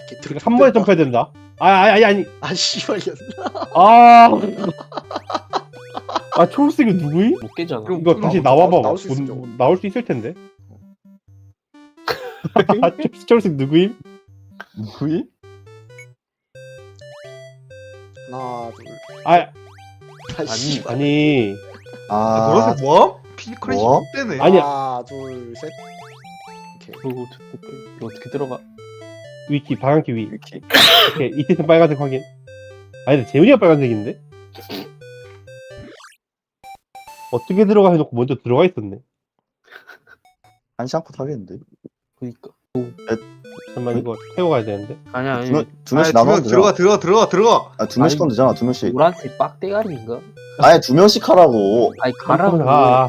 그러니까 한 번에 점프해야 된다. 아니. 아 씨발이야. 아. 아 초록색이 누구이? 못 깨잖아. 그럼 이거 다시 나와봐. 나올 수 있어, 저거. 나올 수 있을 텐데. 아, 초록색 누구임? 누구이? 하나 둘. 아 아니 아니. 아, 노란색 뭐함? 피크래시 뭐? 때네. 아니야. 하나 둘 셋. 오케이. 이거 어떻게 들어가? 위키 방향키 위. 이렇게. 오케이 이태는 빨간색 확인. 아니 근데 재훈이가 빨간색인데? 어떻게 들어가 해놓고 먼저 들어가 있었네. 한시 않고 타겠는데. 그니까. 잠깐만 이거 태워가야 되는데. 아니야. 두 명씩 나눠. 들어가. 아, 두 명씩 아니, 하면 되잖아. 두 명씩. 노란색 빡대가리인가? 아니, 두 명씩 하라고. 아니 가라고. 아,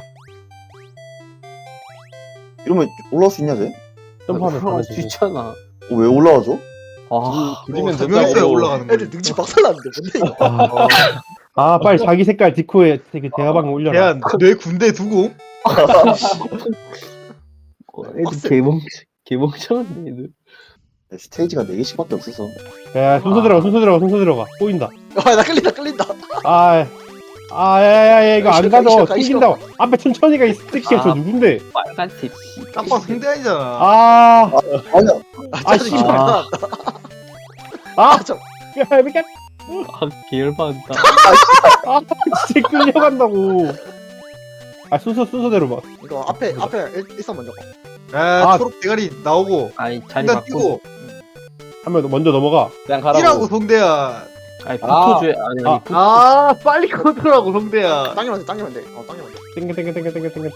이러면 올라올 수 있냐, 쟤? 점프하면 올라갈 가면 수 되지. 있잖아. 왜 올라와줘? 아, 두 명 있어야 올라가는 애들 능지 박살났는데 뭔데 이거. 아 빨리 자기 색깔 디코에 되게 대화방 올려라. 대한 내 군대 두고. 애들 개멍청한데 애들. 스테이지가 4개씩밖에 없어서. 야 순서 들어가. 꼬인다. 아나 끌린다. 야야야 이거 안 가져. 가기 튕긴다고. 앞에 천천히가 이 새끼야 저 아. 누군데? 빨간색 씨. 딱 상대 아니잖아. 아, 아니야. 아 씨. 씨발. 아. 아, 저 야 미안. 아 개열받다. 아, 진짜 끌려간다고. 아 순서대로 봐. 이거 앞에 일선 먼저 가. 아. 초록 대가리 나오고 아니 자리 일단 바꾸고. 뛰고 한 명 먼저 넘어가. 그냥 뛰라고 성대야. 아니 붙어줘야 아니 빨리 컨트롤하고 성대야. 당기면 돼. 당기면 돼. 땡겨.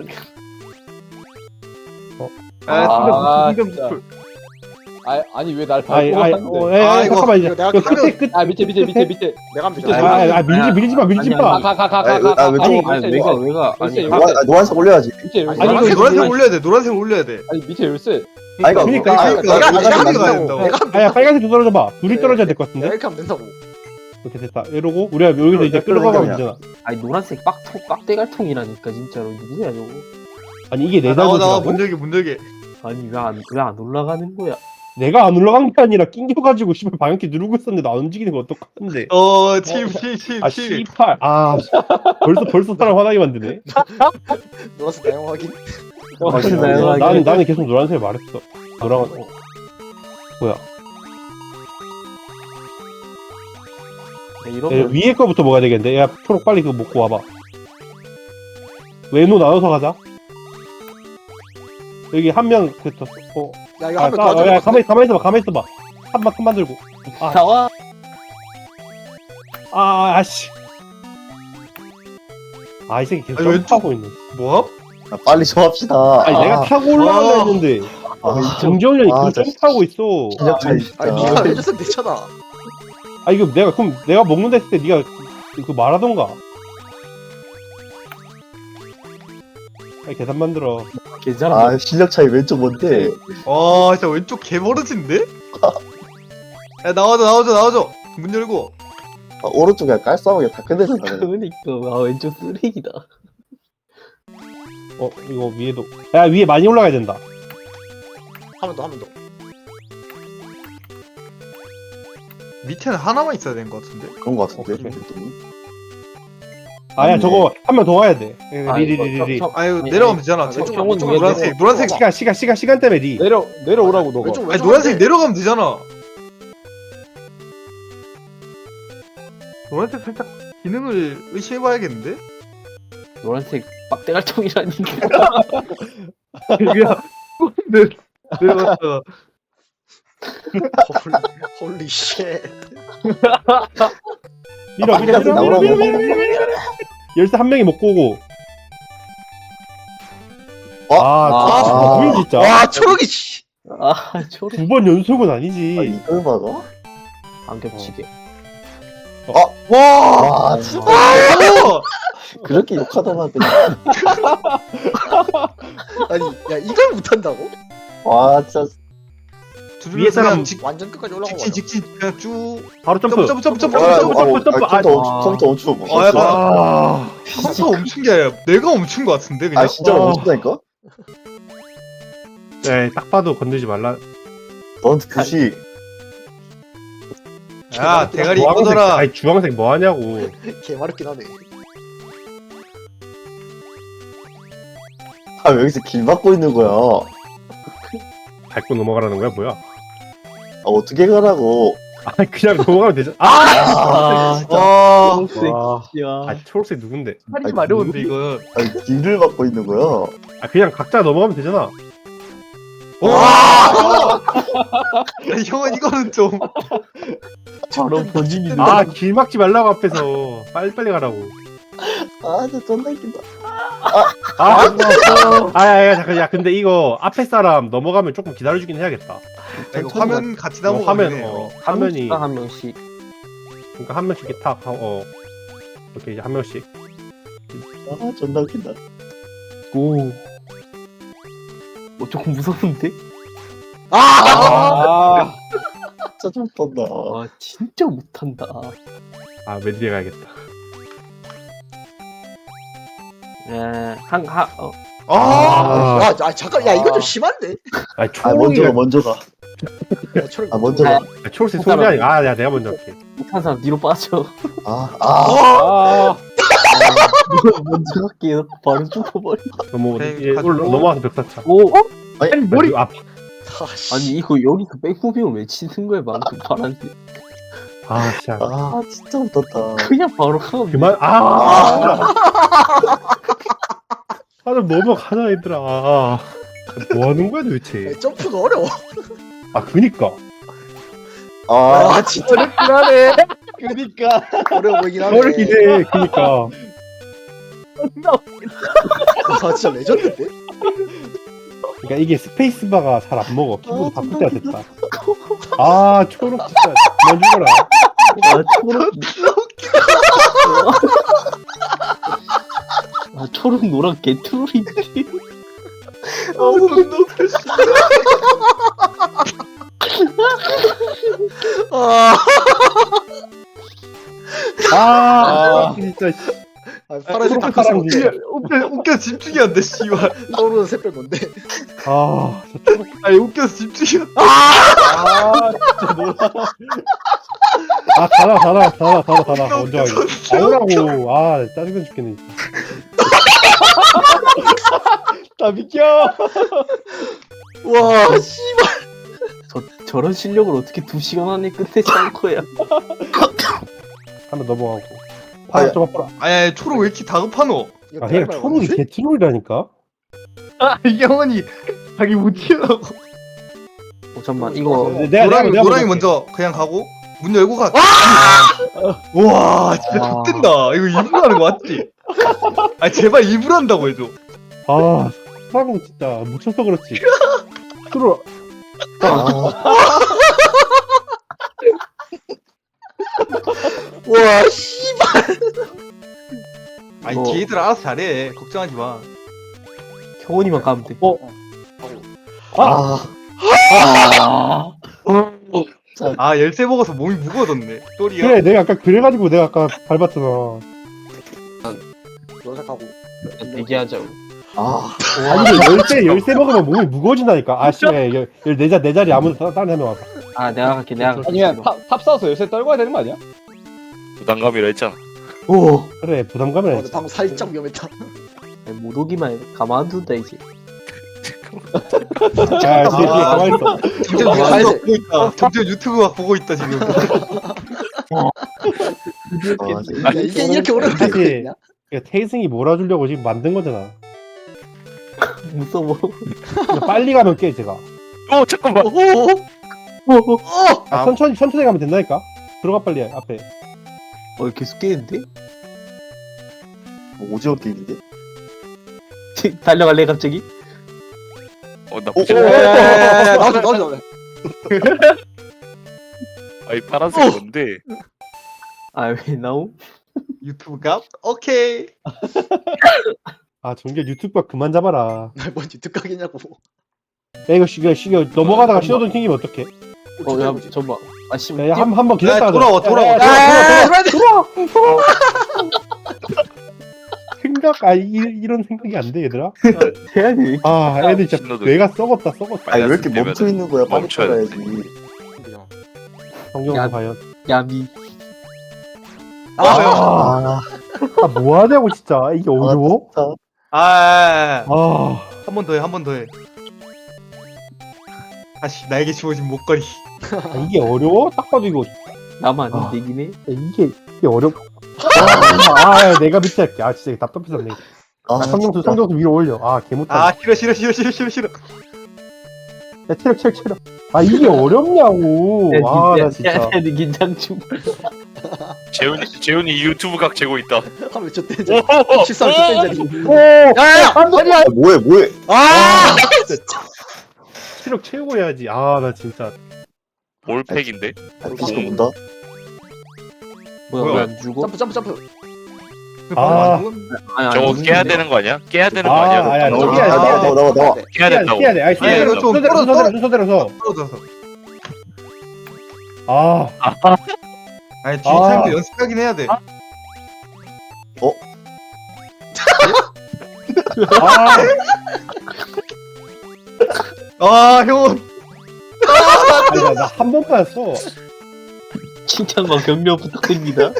성대 진짜. 붙을. 아니, 왜 날 아이 이거 잠깐만 이제. 이거 내가 이거 하면- 끝. 아, 밑에. 내가 하면 되잖아. 밀지 마. 아, 왼쪽. 아니 왜가 아니 노란색 올려야지. 아니, 노란색 올려야 돼. 노란색 올려야 돼. 아니, 밑에 열쇠. 그러니까. 내가 빨간색이 가야 한다고. 된다고. 내가 하면 아야 빨간색 좀 떨어져 봐. 둘이 네. 떨어져야 될 것 내가 같은데. 이렇게 하면 된다고. 이렇게 됐다. 이러고 우리가 여기서 이제 끌어가면 되잖아. 아니 노란색 빡대갈통이라니까 진짜로 누구야 저거? 아니 이게 내 나와 잘못이라고? 문 열게. 아니 왜 안 올라가는 거야? 내가 안 올라간 게 아니라 낑겨가지고 씨발 방향키 누르고 있었는데 나 안 움직이는 거 어떡하는데? 칠. 아 씨발. 아 벌써 사람 화나게 만드네. 노란색 나영 확인. 나는 계속 노란색 말했어. 노란 뭐야? 이러면 위에 거부터 먹어야 되겠는데. 야 초록 빨리 그거 먹고 와봐. 외노 나눠서 가자. 여기 한 명 됐어. 야 이거 하면 도와줘. 야 가만히 있어봐. 한만 들고. 나와. 아씨. 이 새끼 계속 아니, 왼쪽- 점프하고 있네. 뭐함? 아, 빨리 좀 합시다. 아니 내가 타고 올라가려 했는데 정재훈이 아, 계속 진짜. 점프하고 있어. 실력 차이 진짜. 아니 네가 해줬으면 됐잖아. 이거 내가 먹는다 했을 때 네가 그 말하던가. 계산 만들어. 괜찮아. 아, 실력 차이 왼쪽 뭔데? 진짜 왼쪽 개버릇인데? 야 나와줘. 문 열고. 아, 오른쪽에 깔쌈하게 다 끝내잖아. 그러니까 왼쪽 쓰레기다. 이거 위에도. 야 위에 많이 올라가야 된다. 한 번 더. 밑에는 하나만 있어야 되는 것 같은데. 그런 거 같은데. 오케이. 느낌이. 야 맞네. 저거 한 명 더 와야 돼. 아, 리리리리리. 아유 내려가면 되잖아. 왼쪽, 저쪽 왼쪽, 노란색. 시간 때문에 리. 내려오라고 너가. 왼쪽 아니 노란색 내려가면 되잖아. 노란색 살짝 기능을 의심해봐야겠는데? 노란색 빡대갈통이라니까. 그냥 내려갔다가 홀리 쉣. 밀어. 열쇠 한 명이 먹고 오고. 뭐야 진짜. 와 초록이 씨. 아 초록. 2번 연속은 아, 아니지. 이걸 막아? 안 겹치게. 와, 진짜. 어! 그렇게 욕하더만. 아니 야 이걸 못한다고? 와, 진짜. 위에 사람 완전 끝까지 올라간 거야. 직진 그냥 쭉 바로 점프. 점프. 컴퓨터 엄청. 컴퓨터 멈춘 게 아니라 내가 멈춘 것 같은데 그냥. 아, 진짜 멈춘다니까? 네, 딱 봐도 건들지 말라. 넌 규식. 야 대가리 주황색, 꺼져라. 아니 주황색 뭐 하냐고. 개마렵긴 하네. 아, 왜 여기서 길 막고 있는 거야? 밟고 넘어가라는 거야 뭐야? 아, 어떻게 가라고? 아 그냥 넘어가면 되죠. 아, 아, 초록색. 와. 아 초록색 누군데? 살이 마려운데 이거. 아니, 길을 막고 있는 거야? 아 그냥 각자 넘어가면 되잖아. 와! 형은 이거는 좀. 바로 본진이. 아 길 막지 말라고 앞에서 빨리빨리 가라고. 아, 저 존나 웃긴다. 아야 잠깐 야 근데 이거 앞에 사람 넘어가면 조금 기다려주긴 해야겠다. 야, 이거 화면 같이 나오고 화면 화면이 한 명씩. 그러니까 한 명씩 이렇게 탁 이렇게 이제 한 명씩. 아, 존나 웃긴다. 오. 조금 무서운데? 아! 진짜 좀 떤다. 아 진짜 못한다. 아 왼뒤에 가야겠다. 아, 야, 잠깐, 야, 이거 좀 심한데? 아 아, 초록이가 먼저 가. 야, 아, 먼저 가. 초록색 소리 아니야. 아 내가 먼저 할게. 못한 사람 뒤로 빠져. 아 먼저 갈게요. 바로 죽어버려. 넘어 그래, 이제 가지고. 넘어와서 벽사차. 오. 아니, 머리 아 아, 씨. 아니 이거 여기서 백무빙을 왜 치는 거야 방금 파란색. 아 진짜 아, 진짜 웃겼다. 그냥 바로 가면. 그만 좀 넘어가자 얘들아. 뭐 하는 거야 도대체? 야, 점프가 어려워. 아 그니까 아, 아, 진짜 하네. 그니까. 어려워 보이긴 하네. 어렵긴 해. 그니까 아, 진짜 레전드인데? 그러니까 이게 스페이스바가 잘 안 먹어. 키보드 바꿀 때가 됐다. 아 초록 진짜 그만 죽어라. 아 초록. 아 초록 노랑 개트롤인데. 아, 존나 웃겨. 아, 아 진짜 파란색 다 사람 컸어. 진짜. 웃겨 집중이 안 돼, 씨발. 떠오르는 새별 건데. 아 진짜 초록. 아니 웃겨서 집중이 안 돼. 아 진짜 놀라. 아 가라 먼저 하기. 아우라고. 아 짜증나 죽겠네. 진짜. 나 비켜. 와, 씨발. 저런 실력을 어떻게 2시간 안에 끝내지 않고야. 한번 넘어가고. 아야. 좀 아파라. 아니 초록 왜 이렇게 다급하노? 이거 아 그냥 말 초록이 맞지? 개트롤이라니까. 아 형은이 자기 못 튀어나고. 잠깐만 이거 노랑이 내가 노랑이 먼저 먼저 그냥 가고 문 열고 가. 와 진짜 와. X된다. 이거 일부러 하는 거 맞지? 아 제발 일부러 한다고 해줘. 아 사람 진짜 묻혀서 그렇지. 들어. 와, 씨발. 아니 뭐. 걔들 알아서 잘해. 걱정하지 마. 경원이만 가면 돼. 아, 아 열쇠 먹어서 몸이 무거워졌네. 또리야. 그래 내가 아까 그래가지고 내가 아까 밟았잖아. 노작하고. 얘기하자고. 아, 아니 열쇠 먹으면 몸이 무거워진다니까. 아 씨발 내 자리 아무도 다른 한명 와봐. 아 내가 갈게 내가 갈게. 아니면 탑 싸워서 열쇠 떨궈야 되는 거 아니야? 부담감이라 했잖아. 오. 그래 부담감이 근데 방금 살짝 위험했다. 못 오기만 해. 가만둔다 이제. 야 뒤에 가만히 있어. 점점 아, 유튜브 이제- 보고 있다. 점점 유튜브 막 보고 있다 지금. 아, 진짜. 야, 이게 이렇게 어려운 게 사실- 있냐? 그러니까 태승이 몰아주려고 지금 만든 거잖아. 무서워. 그러니까 빨리 가면 깨 제가. 잠깐만. 아, 천천히 가면 된다니까. 들어가 빨리 앞에. 계속 깨는데? 오징어 게임인데? 달려갈래 갑자기? 나쁘지 야, 않아. 야, 야, 야, 나도. 아이 파란색 뭔데? 아 왜 나옴? 유튜브 값? 오케이. 아 정규 유튜브 그만 잡아라. 뭔 유튜브 각이냐고. 야 이거 쉬겨 넘어가다가 신호등 튕기면 어떡해? 야 잠깐만. 아 씨발. 야 한번 야 기다렸다. 돌아와. 생각 이런 생각이 안 돼 얘들아. 해야 돼. 아 애들 진짜 신호등. 뇌가 썩었다. 아니, 왜 이렇게 멈춰 있는 거야? 빨리 멈춰야 따라야지. 성경도 야. 과연. 야미. 아, 뭐 하냐고 진짜. 이게 어려워? 진짜. 아, 한 번 더 해, 한 번 더 해. 다시 나에게 주어진 목걸이. 이게 어려워? 딱 봐도 이거 나만 아. 안 되긴 해. 이게 어렵. 내가 밑에 할게. 아 진짜 답답해졌네. 아, 성경수 진짜. 위로 올려. 아 개못하네. 아, 싫어. 야 체력. 아 이게 어렵냐고. 아 나 진짜. 야, 긴장 중. 재훈이 유튜브 각 재고 있다. 하루 몇초 땐 오! 13초 땐 자리. 오. 야야야! 아니야. 아, 뭐해. 아! 체력 채우고 해야지. 아 나 진짜. 올팩인데? 아, 피지컬 본다. 뭐야, 왜 안 죽어? 점프. 아. 아니, 저거 아니, 깨야 근데. 되는 거 아니야? 깨야 되는 거 아, 아니야? 아니야, 저거? 저거 깨야 돼, 깨야 돼. 나와. 깨야 된다고. 깨야 돼. 아니 아니, 이거 좀 순서대로. 떨어져서. 아. 아니, 뒤에 타임도 연습하긴 해야 돼. 아. 아, 형. 아니 나 한 번 빠졌어. 칭찬과 격려 부탁드립니다.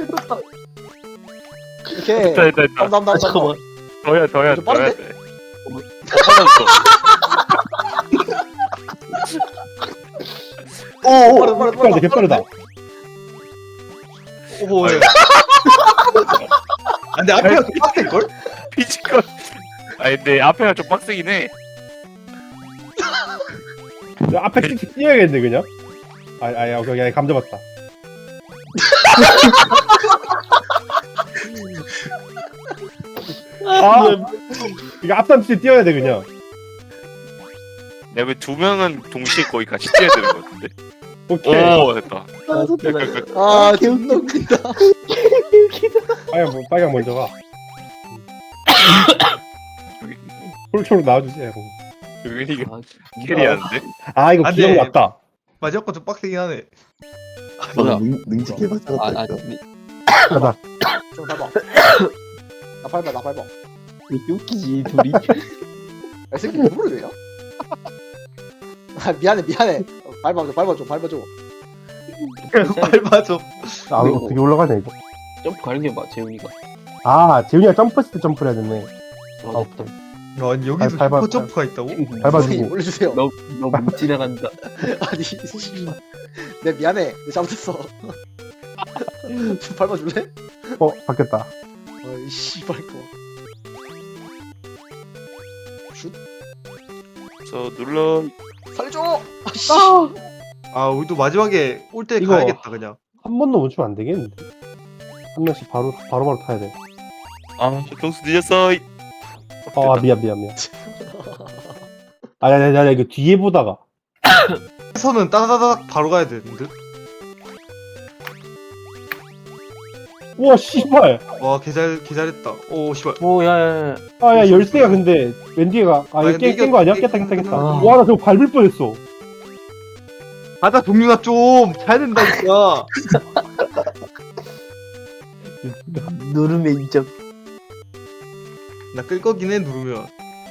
이렇게. 됐다. 다음. 잠깐만. 더야 좀 빠른데? 돼. 빠졌어. 빠르다, 개빠르다. 오, 예. 아, 근데 앞에가 좀 빡셀걸? 피지컬. 아니 근데 앞에가 좀 빡세긴 해. 야, 앞에 찍찍 뛰어야겠네 그냥. 오케이, 감 잡았다. 이거 앞단 뒤에 뛰어야 돼 그냥. 내가 왜 두 명은 동시에 거의 같이 뛰어야 되는 거 같은데? 오케이. 오 됐다. 아, 존나 웃긴다. 빨강 먼저 가. 홀초로 나와주세요. 여기 아, 캐리하는데? 아 이거 안 돼. 기억 났다. 마지막 거좀 빡세긴 하네. 뭐야? 능직해봤자. 아, 가자. 좀 밟아. 나 밟아. 왜 이렇게 웃기지, 둘이? 야, 이 새끼 누구를 왜요? 아, 미안해. 밟아줘. 밟아줘. 아 이거 어떻게 올라가냐 이거. 점프 가려봐, 재훈이가. 아 재훈이가 점프했을 때 점프를 해야 되네. 아, 됐다. 아니, 여기서 밟아. 슈퍼 점프가 있다고? 밟아주고. 올려주세요. 너무 지나간다. 아니, 씨발. 내 미안해. 내 잘못했어. 좀 밟아줄래? 바뀌었다. 어이, 씨발 거. 슛. 그래서 눌러. 살려줘! 아, 씨. 아, 우리도 마지막에 올 때 이거- 가야겠다, 그냥. 한 번도 멈추면 안 되겠는데. 한 명씩 바로 타야 돼. 아 경수 늦었어. 아 미안. 야 이거 뒤에 보다가. 해서는 따다다닥 바로 가야 되는데? 우와 씨발. 와, 개잘했다. 오, 씨발. 오, 야. 아야 열쇠가 근데 웬 뒤에가. 아 이거 근데 깬 거 아니야? 이게- 깼다. 아. 와 나 저거 밟을 뻔했어. 가자, 동윤아, 좀! 잘 된다니까! 누름의 인정. 나 끌 거긴 해, 누르면.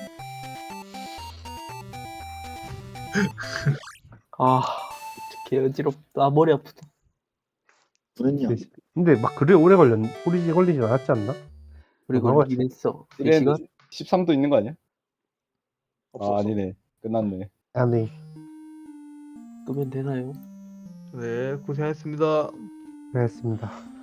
아, 개 어지럽다. 머리 아프다. 그랬냐? 근데 막 그래 오래 걸리진 않았지 않나? 우리 걸리긴 했어. 4시간? 13도 있는 거 아니야? 없어. 아 아니네. 끝났네. 아니 끄면 되나요? 네, 고생하셨습니다. 그랬습니다.